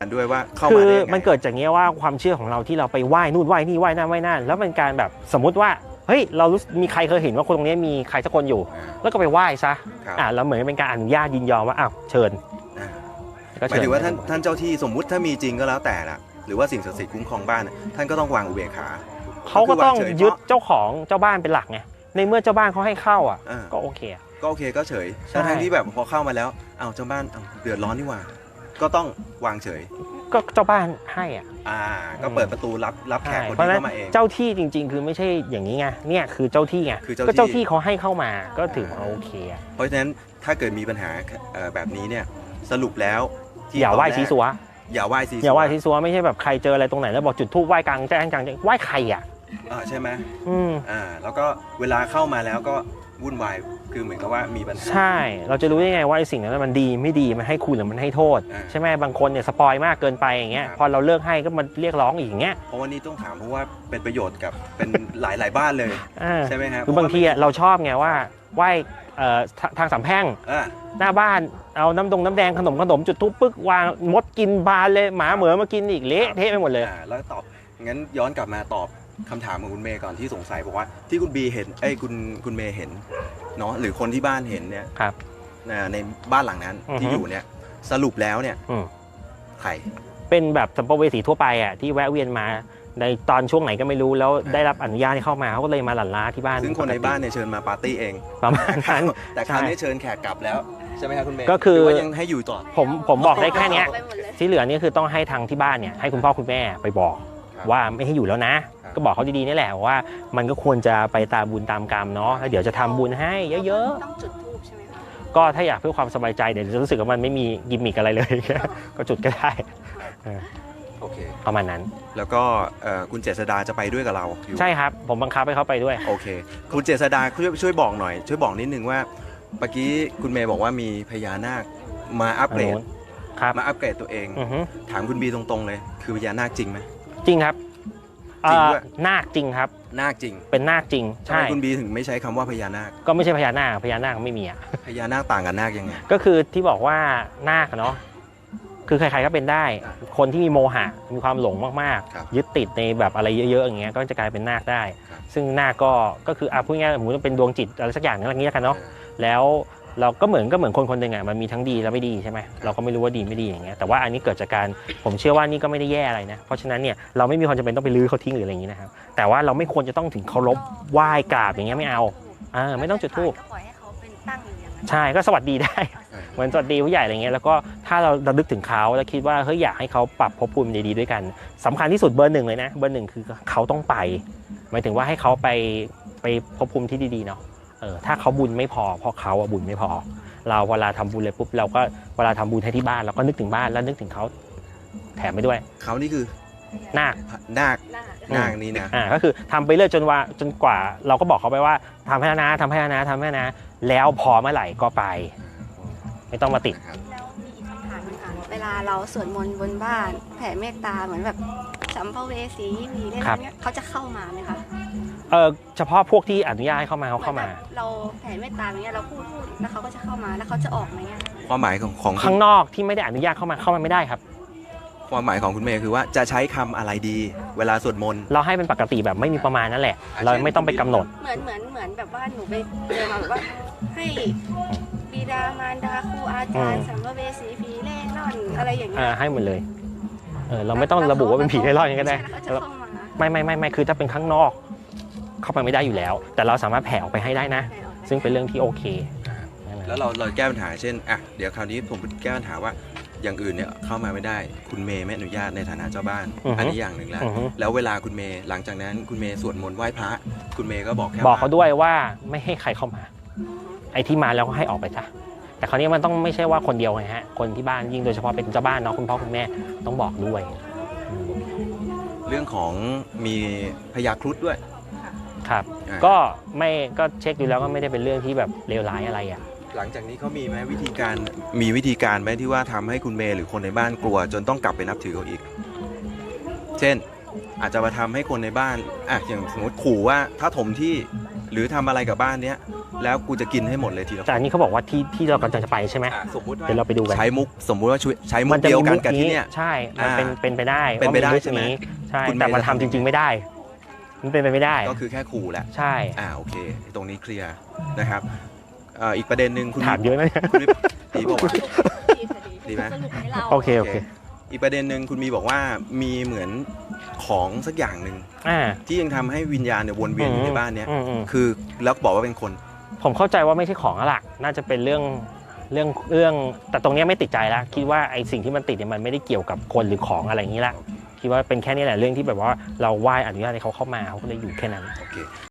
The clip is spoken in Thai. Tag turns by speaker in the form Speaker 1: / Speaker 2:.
Speaker 1: ด้วยว่าเข้า
Speaker 2: คือ
Speaker 1: มาได้ยังไง
Speaker 2: มันเกิดจากเงี้ยว่าความเชื่อของเราที่เราไปไหว้นู่นไหว้นี่ไหว้นั่นไหว้นั่นแล้วมันการแบบสมมุติว่าเฮ้ยเรารู้มีใครเคยเห็นว่าคนตรงนี้มีใครสักคนอยู่ แล้วก็ไปไหว้ซะ
Speaker 1: ครับ
Speaker 2: แล้วเหมือนเป็นการอนุญาตยินยอมว่าอ้าวเชิญ
Speaker 1: อ่า
Speaker 2: ก็
Speaker 1: หมาย
Speaker 2: เชิญ
Speaker 1: ถึงว่าท่านเจ้าที่สมมุติถ้ามีจริงก็แล้วแต่ละหรือว่าสิ่งศักดิ์สิทธิ์คุ้มครองบ้านท่านก็ต้องวางอุเบกขา
Speaker 2: เขาก็ต้อง
Speaker 1: คือวางเฉย
Speaker 2: ยึดเจ้าของเจ้าบ้านเป็นหลักไงในเมื่อเจ้าบ้านเขาให้เข้าก็โอเค
Speaker 1: ก็โอเคก็เฉย
Speaker 2: ใช่
Speaker 1: ทั้งที่แบบพอเข้ามาแล้วอ้าวเจ้าบ้านเดือดร้อนนี่หว่าก็ต้องวางเฉย
Speaker 2: ก็เจ้าบ้านให้
Speaker 1: ก็เปิดประตูรับแขกคน
Speaker 2: เพราะ
Speaker 1: ที่
Speaker 2: ฉะนั้น
Speaker 1: เข้ามาเอง
Speaker 2: เจ้าที่จริง ๆ คือไม่ใช่อย่างนี้ไงเนี่ยคือเจ้าที่ไง
Speaker 1: คือเจ้าที่
Speaker 2: ก็เจ้าที่เขาให้เข้ามาก็ถือว่าโอเค
Speaker 1: เพราะฉะนั้นถ้าเกิดมีปัญหาแบบนี้เนี่ยสรุปแล้วที่
Speaker 2: อย่าไหว้
Speaker 1: ตนแรก
Speaker 2: ซีซัว
Speaker 1: อย่าไหว้ซีซัว
Speaker 2: อย่าไหว้ซีซัวไม่ใช่แบบใครเจออะไรตรงไหนแล้วบอกจุดธูปไหว้กลางแจ้งกลางไหว้ใคร
Speaker 1: ใช่ไหม
Speaker 2: อืม
Speaker 1: แล้วก็เวลาเข้ามาแล้วก็วุ่นวายคือเหมือนกับว่ามีปัญหา
Speaker 2: ใช่เราจะรู้ได้ไงว่าไอ้สิ่งนั้นมันดีไม่ดีมันให้คุณหรือมันให้โทษ ใช่ไหมบางคนเนี่ยสปอยมากเกินไปอย่างเงี้ย
Speaker 1: ครับ
Speaker 2: พอเราเลิกให้ก็มันเรียกร้องอีกอย่างเงี้ย
Speaker 1: เพราะว่านี่ต้องถามเพราะว่าเป็นประโยชน์กับเป็นหลายบ้านเลย ใช่ไหมครับ
Speaker 2: คือบางทีเราชอบไงว่าไหว้ทางสามแพร่ง หน้าบ้านเอาน้ำแดงขนมจุดทุบปึ๊กวางมดกินบานเลยหมาเหมือมากินอีกเละเทะไปหมดเลย
Speaker 1: แล้วตอบงั้นย้อนกลับมาตอบคำถามของคุณเมย์ก่อนที่สงสัยบอกว่าที่คุณบีเห็นคุณเมย์เห็นเนาะหรือคนที่บ้านเห็นเนี่ย
Speaker 2: ครับ
Speaker 1: ในบ้านหลังนั้น
Speaker 2: อือฮึ
Speaker 1: ที่อยู่เนี่ยสรุปแล้วเนี่ย
Speaker 2: อืม
Speaker 1: ใคร
Speaker 2: เป็นแบบสัมภเวสีทั่วไปที่แวะเวียนมาในตอนช่วงไหนก็ไม่รู้แล้วได้รับอนุญาตให้เข้ามาเขาก็เลยมาหลั่นล้าที่บ้าน
Speaker 1: ซึ่งคนในบ้านเนี่ยเชิญมาปาร์ตี้เอง
Speaker 2: ประมาณนั้น
Speaker 1: แต่คราวนี้เชิญแขกกลับแล้วใช่ไหมครับคุณเมย์
Speaker 2: ก็คือ
Speaker 1: หรืว่ายังให้อยู่ต่อ
Speaker 2: ผมบอกได้แค่เนี้ย
Speaker 3: ไปหมดเลย
Speaker 2: ที่เหลือนี่คือต้องให้ทางที่บ้านเนี่ยให้คุณพ่อคุณแม่ไปบอก
Speaker 1: ครับ
Speaker 2: ว่าไม่ให้อยู่แล้วนะ
Speaker 1: ครับ
Speaker 2: ก็บอกเขาดีๆนี่แหละว่ามันก็ควรจะไปตามบุญตามกรรมเนาะแล้วเดี๋ยวจะทำบุญให้เยอะ
Speaker 3: ต้องจุดธูปใช่ไหมคะ
Speaker 2: ๆ ก็ถ้าอยากเพื่อความสบายใจเดี๋ยวจะรู้สึกว่ามันไม่มีกิมมิกอะไรเลย ก็จุดก็ได้
Speaker 1: โอเค
Speaker 2: ประมาณนั้น
Speaker 1: แล้วก็คุณเจษดาจะไปด้วยกับเราอยู่
Speaker 2: ใช่ครับผมบังคับให้เขาไปด้วย
Speaker 1: โอเค คุณเจษดาช่วยบอกหน่อย ช่วยบอกนิดนึงว่าเมื่อกี้คุณเมย์บอกว่ามีพญานาคมาอัปเกรด
Speaker 2: ครับ
Speaker 1: มาอัปเกรดตัวเอง
Speaker 2: อือฮึ
Speaker 1: ถามคุณบีตรงๆเลย คือพญานาคจริงไหม
Speaker 2: จริงครับ
Speaker 1: จริงด้วย
Speaker 2: นาคจริงครับ
Speaker 1: นาคจริง
Speaker 2: เป็นนาคจริง
Speaker 1: ทำ
Speaker 2: ใช่
Speaker 1: ไมคุณบีถึงไม่ใช้คำว่าพญานาค
Speaker 2: ก็ไม่ใช่พญานาคไม่มี
Speaker 1: พญานาคต่างกับนาคยังไง
Speaker 2: ก็คือที่บอกว่านาคเนาะคือใครๆก็เป็นได้ คนที่มีโมหะมีความหลงมาก
Speaker 1: ครับ
Speaker 2: ๆยึดติดในแบบอะไรเยอะๆอย่างเงี้ยก็จะกลายเป็นนาคได้
Speaker 1: ครับ
Speaker 2: ซึ่งนาคก็คือพูดง่ายๆสมมติว่าเป็นดวงจิตอะไรสักอย่างนึงอะไรอย่างเงี้ยกันเนาะแล้วเราก็เหมือนคนหนึ่งมันมีทั้งดีและไม่ดีใช่ไหมเราก็ไม่รู้ว่าดีไม่ดีอย่างเงี้ยแต่ว่าอันนี้เกิดจากการผมเชื่อว่านี่ก็ไม่ได้แย่อะไรนะเพราะฉะนั้นเนี่ยเราไม่มีความจำเป็นต้องไปลื้อเขาทิ้งหรืออะไรอย่างงี้นะครับแต่ว่าเราไม่ควรจะต้องถึงเคารพไหว้กราบอย่างเงี้ยไม่เอาไม่ต้องจุดธูป
Speaker 3: ก็ปล่อยให้เขาเป็นตั้งอยู่อย่างนั้น
Speaker 2: ใช่ก็สวัสดีได้ เหมือนสวัสดีผู้ใหญ่อะไรเงี้ยแล้วก็ถ้าเราระลึกถึงเขาแล้วคิดว่าเฮ้ยอยากให้เขาปรับภพภูมิดีๆด้วยกันสำคัญที่สุดเบอร์หนึ่งเลยนะเบอร์หนึ่งคือเขาต้องไปหมายถึงว่าให้เขาไปภพภูมิที่ดีๆเนาะถ้าเขาบุญไม่พอเพราะเขาบุญไม่พอเราเวลาทำบุญเลยปุ๊บเราก็เวลาทำบุญให้ที่บ้านเราก็นึกถึงบ้านแล้วนึกถึงเขาแถมไปด้วย
Speaker 1: เขานี่คือ
Speaker 2: นาค
Speaker 1: นาค
Speaker 3: หน้า
Speaker 1: นาคนี่นะ
Speaker 2: ก็คือทำไปเรื่อยจนกว่าเราก็บอกเขาไปว่าทำให้นะทำให้นะทำให้นะแล้วพอเมื่อไหร่ก็ไปไม่ต้องมาติด
Speaker 1: นะครับ
Speaker 3: แล้วมีอีกคำถามนึงค่ะเวลาเราสวดมนต์บนบ้าน แผ่เมตตาเหมือนแบบสัมภเวสีมีเล่น
Speaker 2: ครับ
Speaker 3: เนี้ยเขาจะเข้ามาไหมคะ
Speaker 2: เฉพาะพวกที่อนุญาตให้เข้ามาเขาเข้ามา
Speaker 3: หอนแบบเราแผ่เมตตาอย่างเงี้ยเราพูดแล้วเขาก็จะเข้ามาแล้วเขาจะออกไหมอะ
Speaker 1: ความหมายของ
Speaker 2: ข้างนอกที่ไม่ได้อนุญาตเข้ามาไม่ได้ครับ
Speaker 1: ความหมายของคุณเมย์คือว่าจะใช้คำอะไรดี เวลาสวดมนต์
Speaker 2: เราให้เป็นปกติแบบไม่มีประมาณนั่นแหละ เราไม่ต้องไปกำหนด
Speaker 3: เหมือนแบบว่าหนูไปเจอมาแบบว่าให้บิดามารดาครูอาจารย์สัมภเวสีผีเล่ร่อนอะไรอย่างเงี้ย
Speaker 2: ให้หมดเลยเราไม่ต้องระบุว่าเป็นผีไร่ร่อนก็ได้
Speaker 3: ใช่แล้วเขาจะเข้ามา
Speaker 2: ไม่คือถ้าเป็นข้างนอก เข้าไปไม่ได้อยู่แล้ว แต่เราสามารถแผ่ออกไปให้ได้นะ ซึ่งเป็นเรื่องที่โอเค
Speaker 1: แล้วเราแก้ปัญหาเช่นเดี๋ยวคราวนี้ผมแก้ปัญหาว่าอย่างอื่นเนี่ยเข้ามาไม่ได้คุณเมย์ไม่อนุญาตในฐานะเจ้าบ้าน
Speaker 2: อือฮึ
Speaker 1: อันนี้อย่างหนึ่งแล้ว
Speaker 2: อือฮึ
Speaker 1: แล้วเวลาคุณเมย์หลังจากนั้นคุณเมย์สวดมนต์ไหว้พระคุณเมย์ก็บอกแค่
Speaker 2: บอกเขาด้วยว่าไม่ให้ใครเข้ามา ไอ้ที่มาแล้วก็ให้ออกไปซะแต่คราวนี้มันต้องไม่ใช่ว่าคนเดียวไงฮะคนที่บ้านยิ่งโดยเฉพาะเป็นเจ้าบ้านเนาะคุณพ่อคุณแม่ต้องบอกด้วยอืม
Speaker 1: เรื่องของมีพยาครุฑด้วย
Speaker 2: ครับ
Speaker 1: อ่า
Speaker 2: ก็เช็คดูแล้วก็ไม่ได้เป็นเรื่องที่แบบเลวร้ายอะไรอ่ะ
Speaker 1: หลังจากนี้เขามีไหมวิธีการไหมที่ว่าทำให้คุณเมย์หรือคนในบ้านกลัว จนต้องกลับไปนับถือเขาอีก เช่นอาจจะมาทำให้คนในบ้านอย่างสมมติขู่ว่าถ้าถมที่หรือทำอะไรกับบ้านเนี้ยแล้วกูจะกินให้หมดเลยทีละค
Speaker 2: แต่อั
Speaker 1: น
Speaker 2: นนี้เขาบอกว่าที่เรากำลังจะไปใช่ไหม
Speaker 1: สมมติว่า
Speaker 2: เดี๋ยวเราไปดูกัน
Speaker 1: ใช้มุกสมมุติว่าใช้มุ
Speaker 2: มั
Speaker 1: ก
Speaker 2: จะ
Speaker 1: เดียว
Speaker 2: มี
Speaker 1: กัน
Speaker 2: มุก
Speaker 1: กับที่
Speaker 2: นี้
Speaker 1: เนี่ย
Speaker 2: ใช่มัน
Speaker 1: อ่า
Speaker 2: เป็นไปได้
Speaker 1: เป็นไปได้
Speaker 2: ว่ามุก
Speaker 1: ใช่ไหม
Speaker 2: นี้ใช่
Speaker 1: คุณ
Speaker 2: แต่มัน
Speaker 1: เมย์จะ
Speaker 2: ทำจ
Speaker 1: ทำ
Speaker 2: ริง ๆไม่ได้ มันเป็นไปไม่ได้
Speaker 1: ก็คือแค่ขู่แหละ
Speaker 2: ใช่
Speaker 1: โอเค ตรงนี้เคลียร์นะครับอีกประเด็นหนึ่งคุณ
Speaker 2: ถามเยอะนะเนี่ย
Speaker 1: คุณดีบอกว่า ดีไหม
Speaker 3: สรุปให้เรา
Speaker 2: โอเคโอเค
Speaker 1: อีกประเด็นหนึ่งคุณมีบอกว่ามีเหมือนของสักอย่างหนึ่ง
Speaker 2: อ่า
Speaker 1: ที่ยังทำให้วิญญาณเนี่ยวนเวียนอยู่ในบ้านเนี้ย
Speaker 2: อืม
Speaker 1: คือแล้วบอกว่าเป็นคน
Speaker 2: ผมเข้าใจว่าไม่ใช่ของแล้วล่ะน่าจะเป็นเรื่องแต่ตรงเนี้ยไม่ติดใจแล้วคิดว่าไอ้สิ่งที่มันติดเนี่ยมันไม่ได้เกี่ยวกับคนหรือของอะไรอย่างนี้ละคิดว่าเป็นแค่นี้แหละเรื่องที่แบบว่าเราไหว้อนุญาตให้เขาเข้ามาเขาก็เลยอยู่แค่นั้น
Speaker 1: โอเค